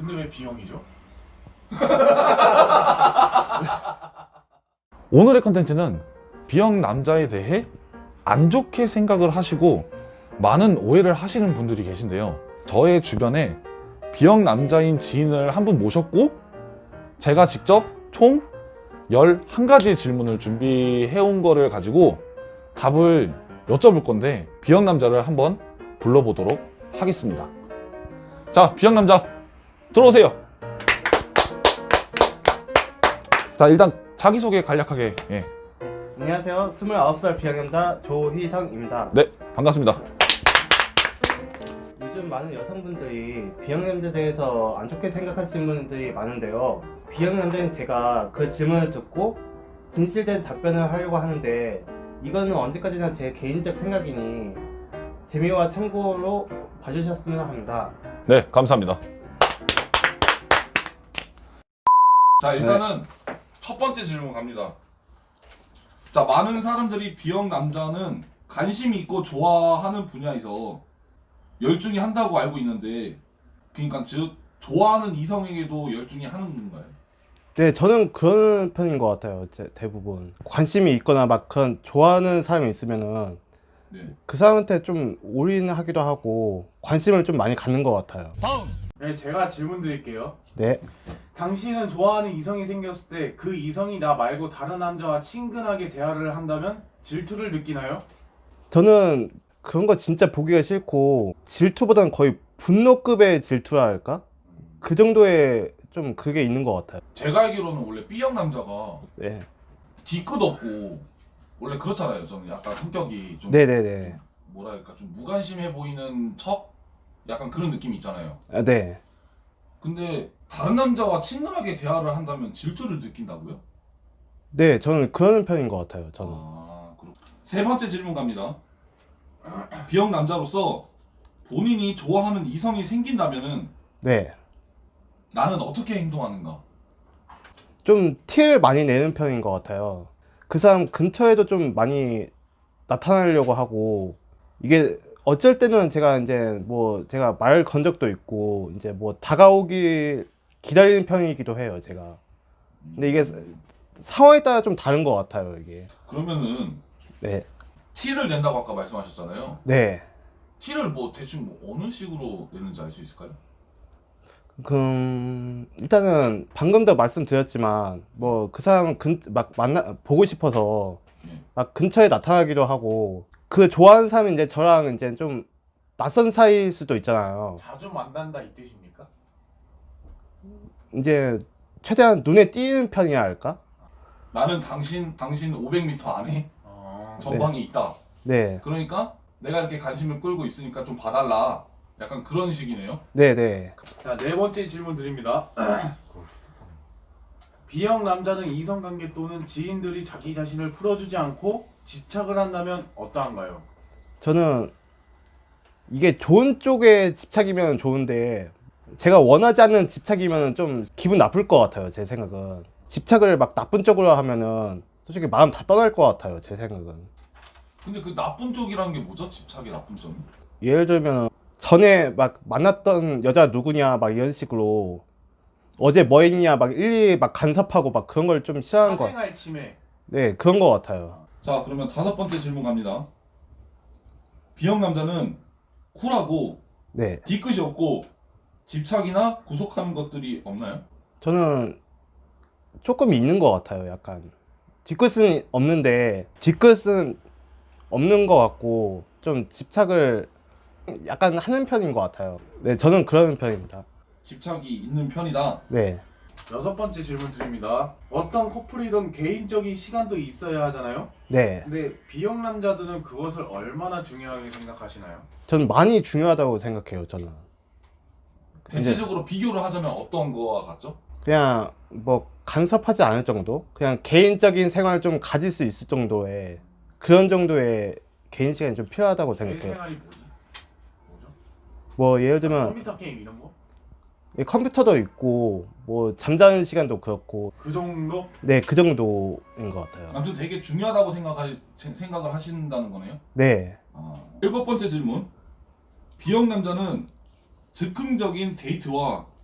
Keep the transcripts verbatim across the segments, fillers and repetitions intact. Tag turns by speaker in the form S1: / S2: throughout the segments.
S1: 근데 왜 B형이죠?
S2: 오늘의 컨텐츠는 B형 남자에 대해 안 좋게 생각을 하시고 많은 오해를 하시는 분들이 계신데요. 저의 주변에 B형 남자인 지인을 한 분 모셨고 제가 직접 총 열한 가지 질문을 준비해 온 거를 가지고 답을 여쭤볼 건데 B형 남자를 한번 불러보도록 하겠습니다. 자, B형 남자 들어오세요. 자, 일단 자기소개 간략하게. 예.
S3: 안녕하세요. 스물아홉 살 B형남자 조희성입니다.
S2: 네, 반갑습니다.
S3: 요즘 많은 여성분들이 B형남자에 대해서 안 좋게 생각하시는 분들이 많은데요. B형남자인 제가 그 질문을 듣고 진실된 답변을 하려고 하는데 이거는 언제까지나 제 개인적 생각이니 재미와 참고로 봐주셨으면 합니다.
S2: 네, 감사합니다.
S1: 자, 일단은 첫 번째 질문 갑니다. 자, 많은 사람들이 B형 남자는 관심이 있고 좋아하는 분야에서 열중히 한다고 알고 있는데, 그러니까 즉 좋아하는 이성에게도 열중히 하는 건가요?
S3: 네, 저는 그런 편인 것 같아요. 제- 대부분 관심이 있거나 막 그런 좋아하는 사람이 있으면은
S1: 네.
S3: 그 사람한테 좀 올인하기도 하고 관심을 좀 많이 갖는 것 같아요.
S4: 네, 제가 질문 드릴게요.
S3: 네.
S4: 당신은 좋아하는 이성이 생겼을 때 그 이성이 나 말고 다른 남자와 친근하게 대화를 한다면 질투를 느끼나요?
S3: 저는 그런 거 진짜 보기가 싫고 질투보다는 거의 분노급의 질투라 할까? 그 정도의 좀 그게 있는 것 같아요.
S1: 제가 알기로는 원래 B형 남자가
S3: 네.
S1: 뒤끝 없고 원래 그렇잖아요. 저는 약간 성격이 좀
S3: 네네네.
S1: 뭐랄까 좀 무관심해 보이는 척? 약간 그런 느낌이 있잖아요.
S3: 아, 네.
S1: 근데 다른 남자와 친근하게 대화를 한다면 질투를 느낀다고요?
S3: 네, 저는 그런 편인 것 같아요. 저는.
S1: 아, 그렇. 세 번째 질문 갑니다. B형 남자로서 본인이 좋아하는 이성이 생긴다면은
S3: 네.
S1: 나는 어떻게 행동하는가?
S3: 좀 티를 많이 내는 편인 것 같아요. 그 사람 근처에도 좀 많이 나타나려고 하고 이게 어쩔 때는 제가 이제 뭐 제가 말 건 적도 있고 이제 뭐 다가오길 기다리는 편이기도 해요, 제가. 근데 이게 상황에 따라 좀 다른 것 같아요, 이게.
S1: 그러면은
S3: 네.
S1: 티를 낸다고 아까 말씀하셨잖아요.
S3: 네.
S1: 티를 뭐 대충 뭐 어느 식으로 내는지 알 수 있을까요?
S3: 그럼 일단은 방금도 말씀드렸지만 뭐 그 사람 근 막 만나 보고 싶어서
S1: 예.
S3: 막 근처에 나타나기도 하고 그 좋아하는 사람이 이제 저랑 이제 좀 낯선 사이일 수도 있잖아요.
S4: 자주 만난다 이 뜻입니까?
S3: 이제 최대한 눈에 띄는 편이야 할까?
S1: 나는 당신 당신 오백 미터 안에
S4: 어...
S1: 전방에 있다.
S3: 네,
S1: 그러니까 내가 이렇게 관심을 끌고 있으니까 좀 봐달라. 약간 그런 식이네요.
S3: 네, 네.
S4: 자, 네 번째 질문 드립니다. B형 남자는 이성관계 또는 지인들이 자기 자신을 풀어주지 않고 집착을 한다면 어떠한가요?
S3: 저는 이게 좋은 쪽에 집착이면 좋은데 제가 원하지 않는 집착이면 좀 기분 나쁠 것 같아요, 제 생각은. 집착을 막 나쁜 쪽으로 하면은 솔직히 마음 다 떠날 것 같아요, 제 생각은.
S1: 근데 그 나쁜 쪽이라는 게 뭐죠? 집착의 나쁜 점이?
S3: 예를 들면 전에 막 만났던 여자 누구냐 막 이런 식으로 어제 뭐 했냐 막 일일이 막 간섭하고 막 그런 걸 좀 싫어하는 거.
S4: 사생활 침해.
S3: 네, 그런 것 같아요.
S1: 자, 그러면 다섯 번째 질문 갑니다. B형 남자는 쿨하고
S3: 네,
S1: 뒤끝이 없고 집착이나 구속하는 것들이 없나요?
S3: 저는 조금 있는 것 같아요. 약간 뒤끝은 없는데 뒤끝은 없는 것 같고 좀 집착을 약간 하는 편인 것 같아요. 네, 저는 그런 편입니다.
S1: 집착이 있는 편이다.
S3: 네,
S4: 여섯 번째 질문 드립니다. 어떤 커플이든 개인적인 시간도 있어야 하잖아요.
S3: 네,
S4: 근데 B형 남자들은 그것을 얼마나 중요하게 생각하시나요?
S3: 저는 많이 중요하다고 생각해요. 저는
S1: 대체적으로 비교를 하자면 어떤 거와 같죠?
S3: 그냥 뭐 간섭하지 않을 정도, 그냥 개인적인 생활을 좀 가질 수 있을 정도의 그런 정도의 개인 시간이 좀 필요하다고
S4: 개인
S3: 생각해요.
S4: 생활이 뭐지? 뭐죠?
S3: 뭐 예를 들면
S4: 컴퓨터 게임 이런 거?
S3: 컴퓨터도 있고 뭐 잠자는 시간도 그렇고
S4: 그 정도?
S3: 네, 그 정도인 것 같아요.
S1: 아무튼 되게 중요하다고 생각하, 생각을 하신다는 거네요.
S3: 네,
S1: 아. 일곱 번째 질문. B형 남자는 즉흥적인 데이트와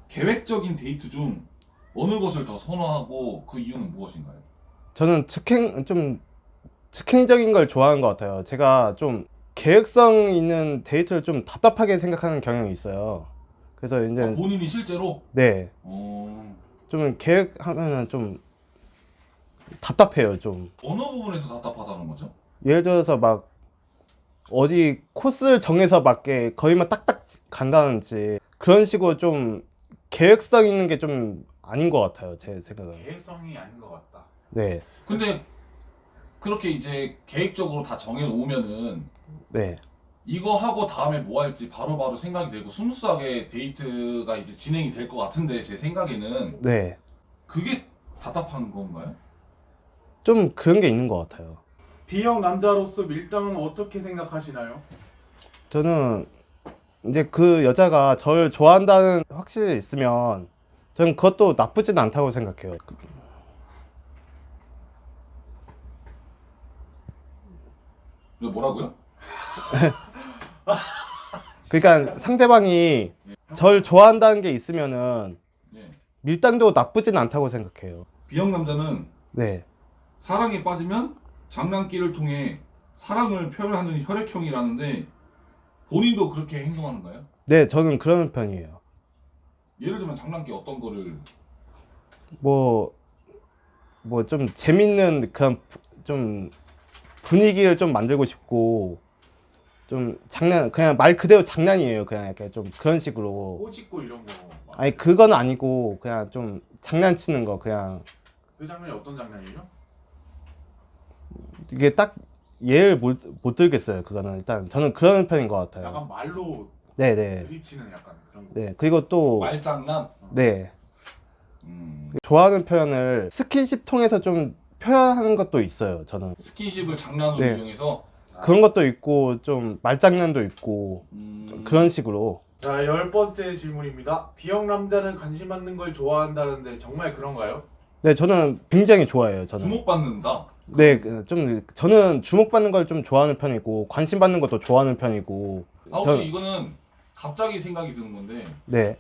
S1: 계획적인 데이트 중 어느 것을 더 선호하고 그 이유는 무엇인가요?
S3: 저는 즉행 좀 즉흥적인 걸 좋아하는 것 같아요. 제가 좀 계획성 있는 데이트를 좀 답답하게 생각하는 경향이 있어요. 그래서 이제
S1: 아, 본인이 실제로?
S3: 네,
S1: 어...
S3: 좀 계획하면은 좀 답답해요. 좀
S1: 어느 부분에서 답답하다는 거죠?
S3: 예를 들어서 막 어디 코스를 정해서 맞게 거기만 딱딱 간다든지 그런 식으로 좀 계획성 있는 게 좀 아닌 것 같아요. 제 생각은.
S4: 계획성이 아닌 것 같다.
S3: 네,
S1: 근데 그렇게 이제 계획적으로 다 정해놓으면은
S3: 네,
S1: 이거 하고 다음에 뭐 할지 바로바로 생각이 되고 스무스하게 데이트가 이제 진행이 될 것 같은데 제 생각에는
S3: 네.
S1: 그게 답답한 건가요?
S3: 좀 그런 게 있는 것 같아요.
S4: B형 남자로서 밀당은 어떻게 생각하시나요?
S3: 저는 이제 그 여자가 저를 좋아한다는 확실히 있으면 저는 그것도 나쁘진 않다고 생각해요.
S1: 이거 뭐라고요?
S3: 그러니까 상대방이 절 좋아한다는 게 있으면은
S1: 예.
S3: 밀당도 나쁘진 않다고 생각해요.
S1: B형 남자는
S3: 네,
S1: 사랑에 빠지면 장난기를 통해 사랑을 표현하는 혈액형이라는데 본인도 그렇게 행동하는가요?
S3: 네, 저는 그런 편이에요.
S1: 예를 들면 장난기 어떤 거를
S3: 뭐, 뭐 좀 재밌는 그런 부- 좀 분위기를 좀 만들고 싶고 좀 장난, 그냥 말 그대로 장난이에요. 그냥 약간 좀 그런 식으로.
S4: 꼬집고 이런 거.
S3: 아니, 그건 아니고 그냥 좀 장난치는 거 그냥
S4: 그 장면이 어떤 장면이죠?
S3: 이게 딱 예를 못, 못 들겠어요. 그거는 일단 저는 그런 편인 것 같아요.
S4: 약간 말로
S3: 네네.
S4: 드립치는 약간 그런 거.
S3: 네, 그리고 또
S1: 말장난?
S3: 네,
S1: 음,
S3: 좋아하는 표현을 스킨십 통해서 좀 표현하는 것도 있어요. 저는
S1: 스킨십을 장난으로
S3: 네.
S1: 이용해서
S3: 그런 것도 있고 좀 말장난도 있고
S1: 음,
S3: 그런 식으로.
S4: 자, 열 번째 질문입니다. B형 남자는 관심 받는 걸 좋아한다는데 정말 그런가요?
S3: 네, 저는 굉장히 좋아해요. 저는.
S1: 주목받는다.
S3: 네, 그, 좀 저는 주목받는 걸 좀 좋아하는 편이고 관심 받는 것도 좋아하는 편이고.
S1: 아 혹시
S3: 저-
S1: 이거는 갑자기 생각이 드는 건데
S3: 네,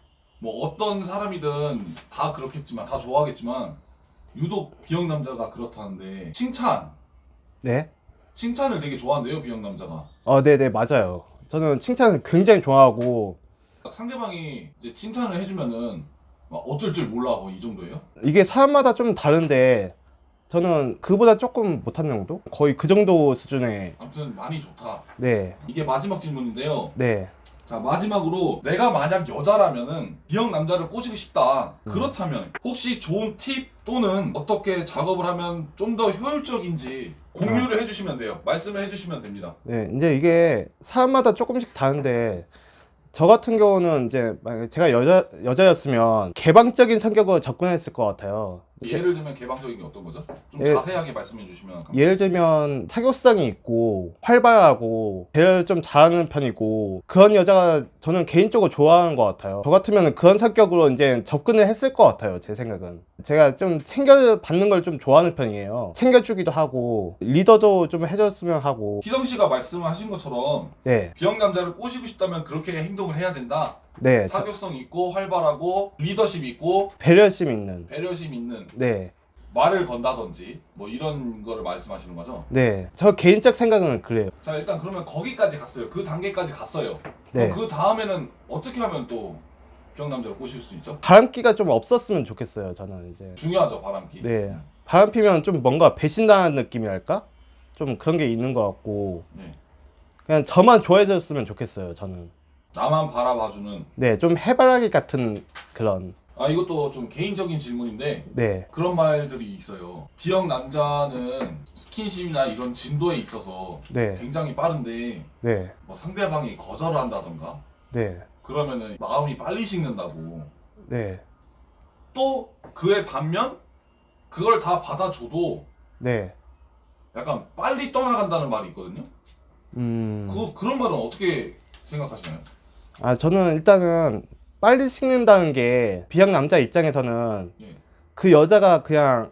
S1: 뭐 어떤 사람이든 다 그렇겠지만 다 좋아하겠지만 유독 B형 남자가 그렇다는데 칭찬
S3: 네.
S1: 칭찬을 되게 좋아한대요 B형 남자가.
S3: 어, 네, 네, 맞아요. 저는 칭찬을 굉장히 좋아하고
S1: 상대방이 이제 칭찬을 해주면은 막 어쩔 줄 몰라 거의 이 정도예요?
S3: 이게 사람마다 좀 다른데 저는 그보다 조금 못한 정도? 거의 그 정도 수준의.
S1: 아무튼 많이 좋다.
S3: 네,
S1: 이게 마지막 질문인데요.
S3: 네.
S1: 자 마지막으로 내가 만약 여자라면은 B형 남자를 꼬시고 싶다. 그렇다면 혹시 좋은 팁 또는 어떻게 작업을 하면 좀 더 효율적인지 공유를 해주시면 돼요. 말씀을 해주시면 됩니다.
S3: 네, 이제 이게 사람마다 조금씩 다른데 저 같은 경우는 이제 만약에 제가 여자 여자였으면 개방적인 성격으로 접근했을 것 같아요.
S1: 예를 들면 개방적인 게 어떤 거죠? 좀
S3: 예-
S1: 자세하게 말씀해 주시면 감사합니다.
S3: 예를 들면 사교성이 있고 활발하고 대화를 좀 잘하는 편이고 그런 여자가 저는 개인적으로 좋아하는 것 같아요. 저 같으면 그런 성격으로 이제 접근을 했을 것 같아요. 제 생각은 제가 좀 챙겨받는 걸 좀 좋아하는 편이에요. 챙겨주기도 하고 리더도 좀 해줬으면 하고.
S1: 희성 씨가 말씀하신 것처럼
S3: 네,
S1: B형 남자를 꼬시고 싶다면 그렇게 행동을 해야 된다.
S3: 네, 저-
S1: 사교성 있고 활발하고 리더십 있고
S3: 배려심 있는.
S1: 배려심 있는
S3: 네,
S1: 말을 건다든지 뭐 이런 거를 말씀하시는 거죠.
S3: 네, 저 개인적 생각은 그래요.
S1: 자 일단 그러면 거기까지 갔어요. 그 단계까지 갔어요.
S3: 네.
S1: 그럼 그 다음에는 어떻게 하면 또 B형 남자를 꼬실 수 있죠?
S3: 바람기가 좀 없었으면 좋겠어요. 저는 이제.
S1: 중요하죠 바람기.
S3: 네. 바람 피면 좀 뭔가 배신당한 느낌이랄까? 좀 그런 게 있는 것 같고
S1: 네.
S3: 그냥 저만 좋아해줬으면 좋겠어요. 저는.
S1: 나만 바라봐주는.
S3: 네, 좀 해바라기 같은 그런.
S1: 아 이것도 좀 개인적인 질문인데
S3: 네,
S1: 그런 말들이 있어요. B형 남자는 스킨십이나 이런 진도에 있어서
S3: 네,
S1: 굉장히 빠른데
S3: 네,
S1: 뭐 상대방이 거절을 한다던가
S3: 네,
S1: 그러면은 마음이 빨리 식는다고.
S3: 네,
S1: 또 그에 반면 그걸 다 받아줘도
S3: 네.
S1: 약간 빨리 떠나간다는 말이 있거든요.
S3: 음.
S1: 그 그런 말은 어떻게 생각하시나요?
S3: 아, 저는 일단은 빨리 식는다는 게 비형 남자 입장에서는
S1: 예.
S3: 그 여자가 그냥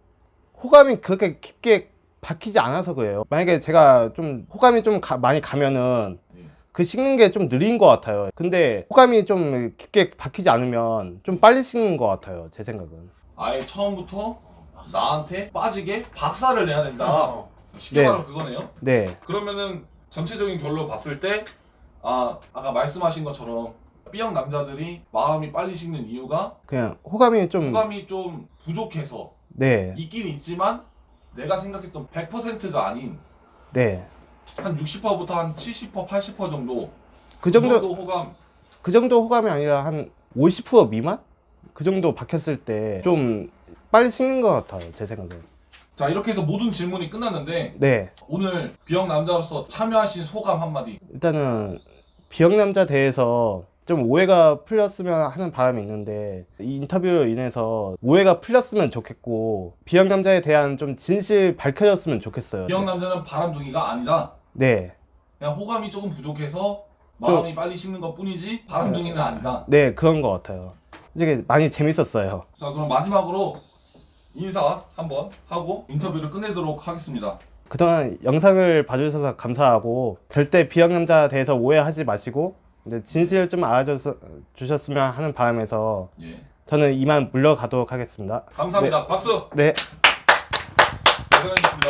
S3: 호감이 그렇게 깊게 박히지 않아서 그래요. 만약에 제가 좀 호감이 좀 가- 많이 가면은
S1: 예.
S3: 그 식는 게 좀 느린 것 같아요. 근데 호감이 좀 깊게 박히지 않으면 좀 빨리 식는 것 같아요. 제 생각은.
S1: 아예 처음부터 나한테 빠지게 박살을 내야 된다.
S4: 어.
S1: 쉽게
S3: 네.
S1: 말하면 그거네요.
S3: 네,
S1: 그러면은 전체적인 결로 봤을 때 아, 아까 말씀하신 것처럼 B형 남자들이 마음이 빨리 식는 이유가
S3: 그냥 호감이 좀
S1: 호감이 좀 부족해서
S3: 네,
S1: 있긴 있지만 내가 생각했던 백 퍼센트가 아닌
S3: 네.
S1: 한 육십 퍼센트부터 한 칠십 퍼센트, 팔십 퍼센트 정도
S3: 그 정도
S1: 호감.
S3: 그 정도 호감이 아니라 한 오십 퍼센트 미만? 그 정도 박혔을 때 좀 빨리 식는 것 같아요. 제 생각은.
S1: 자, 이렇게 해서 모든 질문이 끝났는데
S3: 네,
S1: 오늘 B형 남자로서 참여하신 소감 한마디.
S3: 일단은 B형 남자 대해서 좀 오해가 풀렸으면 하는 바람이 있는데 이 인터뷰로 인해서 오해가 풀렸으면 좋겠고 B형 남자에 대한 좀 진실 밝혀졌으면 좋겠어요.
S1: B형 남자는 바람둥이가 아니다.
S3: 네,
S1: 그냥 호감이 조금 부족해서 마음이 빨리 식는 것 뿐이지 바람둥이는 아니다.
S3: 네 그런 것 같아요. 이게 많이 재밌었어요.
S1: 자, 그럼 마지막으로 인사 한번 하고 인터뷰를 끝내도록 하겠습니다.
S3: 그동안 영상을 봐주셔서 감사하고 절대 B형 남자 대해서 오해하지 마시고 이제 진실을 좀 알아주셨으면 하는 바람에서
S1: 예.
S3: 저는 이만 물러가도록 하겠습니다.
S1: 감사합니다. 박수.
S3: 네,
S1: 고생하셨습니다.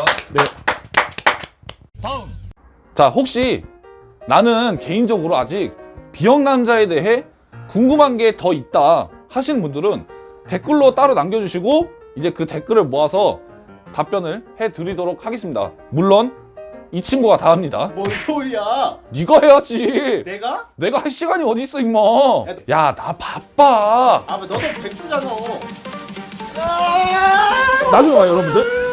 S3: 네.
S2: 자, 혹시 나는 개인적으로 아직 B형 남자에 대해 궁금한 게 더 있다 하시는 분들은 댓글로 따로 남겨주시고 이제 그 댓글을 모아서 답변을 해드리도록 하겠습니다. 물론 이 친구가 다 합니다.
S3: 뭔 소리야?
S2: 네가 해야지.
S3: 내가?
S2: 내가 할 시간이 어디 있어 임마. 야, 나 바빠.
S3: 아, 너도 백수잖아.
S2: 나중에 봐요 여러분들.